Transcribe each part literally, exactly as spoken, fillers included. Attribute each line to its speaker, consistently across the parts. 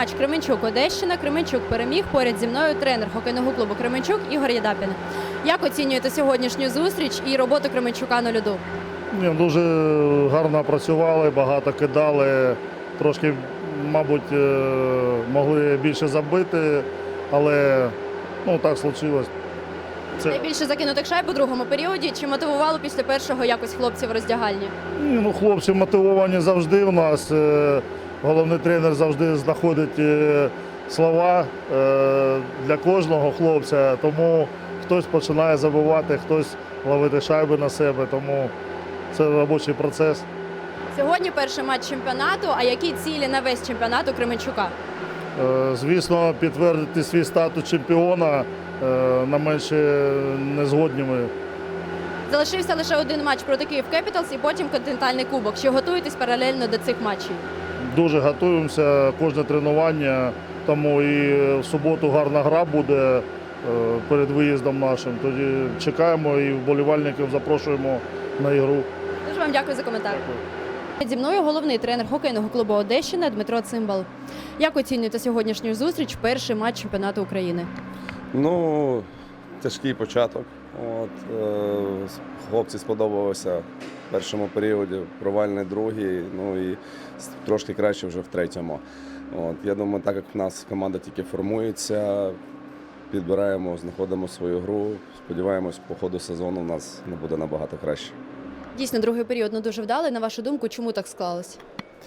Speaker 1: матч Кременчук-Одещина. Кременчук переміг. Поряд зі мною тренер хокейного клубу Кременчук Ігор Єдапін. Як оцінюєте сьогоднішню зустріч і роботу Кременчука на льоду?
Speaker 2: Ні, дуже гарно працювали, багато кидали, трошки, мабуть, могли більше забити, але ну, так случилось. Це...
Speaker 1: Найбільше закинутих шайб у другому періоді. Чи мотивувало після першого якось хлопців в роздягальні?
Speaker 2: Ні, ну, хлопці мотивовані завжди у нас. Головний тренер завжди знаходить слова для кожного хлопця, тому хтось починає забивати, хтось ловити шайби на себе, тому це робочий процес.
Speaker 1: Сьогодні перший матч чемпіонату. А які цілі на весь чемпіонат у Кременчука?
Speaker 2: Звісно, підтвердити свій статус чемпіона на менше не згодні ми.
Speaker 1: Залишився лише один матч проти Київ Кепіталс і потім континентальний кубок. Чи готуєтесь паралельно до цих матчів?
Speaker 2: Дуже готуємося, кожне тренування, тому і в суботу гарна гра буде перед виїздом нашим. Тоді чекаємо і вболівальників запрошуємо на ігру.
Speaker 1: Дуже вам дякую за коментар. Дякую. Зі мною головний тренер хокейного клубу Одещина Дмитро Цимбал. Як оцінюєте сьогоднішню зустріч, перший матч чемпіонату України?
Speaker 3: Ну, тяжкий початок. От, е, хлопці сподобалося в першому періоді, провальний другий, ну і трошки краще вже в третьому. От, я думаю, так як в нас команда тільки формується, підбираємо, знаходимо свою гру, сподіваємось, по ходу сезону у нас не буде набагато краще.
Speaker 1: Дійсно, другий період не дуже вдалий. На вашу думку, чому так склалось?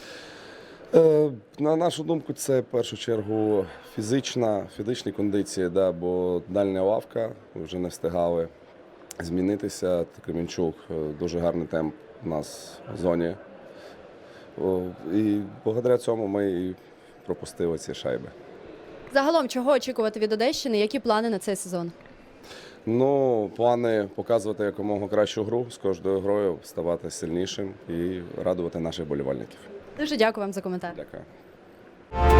Speaker 3: Е, на нашу думку, це в першу чергу фізична, фізичні кондиції, да, бо дальня лавка, вже не встигали змінитися. Кременчук, дуже гарний темп у нас в зоні. О, і благодаря цьому ми і пропустили ці шайби.
Speaker 1: Загалом, чого очікувати від Одещини? Які плани на цей сезон?
Speaker 3: Ну, плани показувати якомога кращу гру, з кожною грою ставати сильнішим і радувати наших болівальників.
Speaker 1: Дуже дякую вам за коментар.
Speaker 3: Дякую.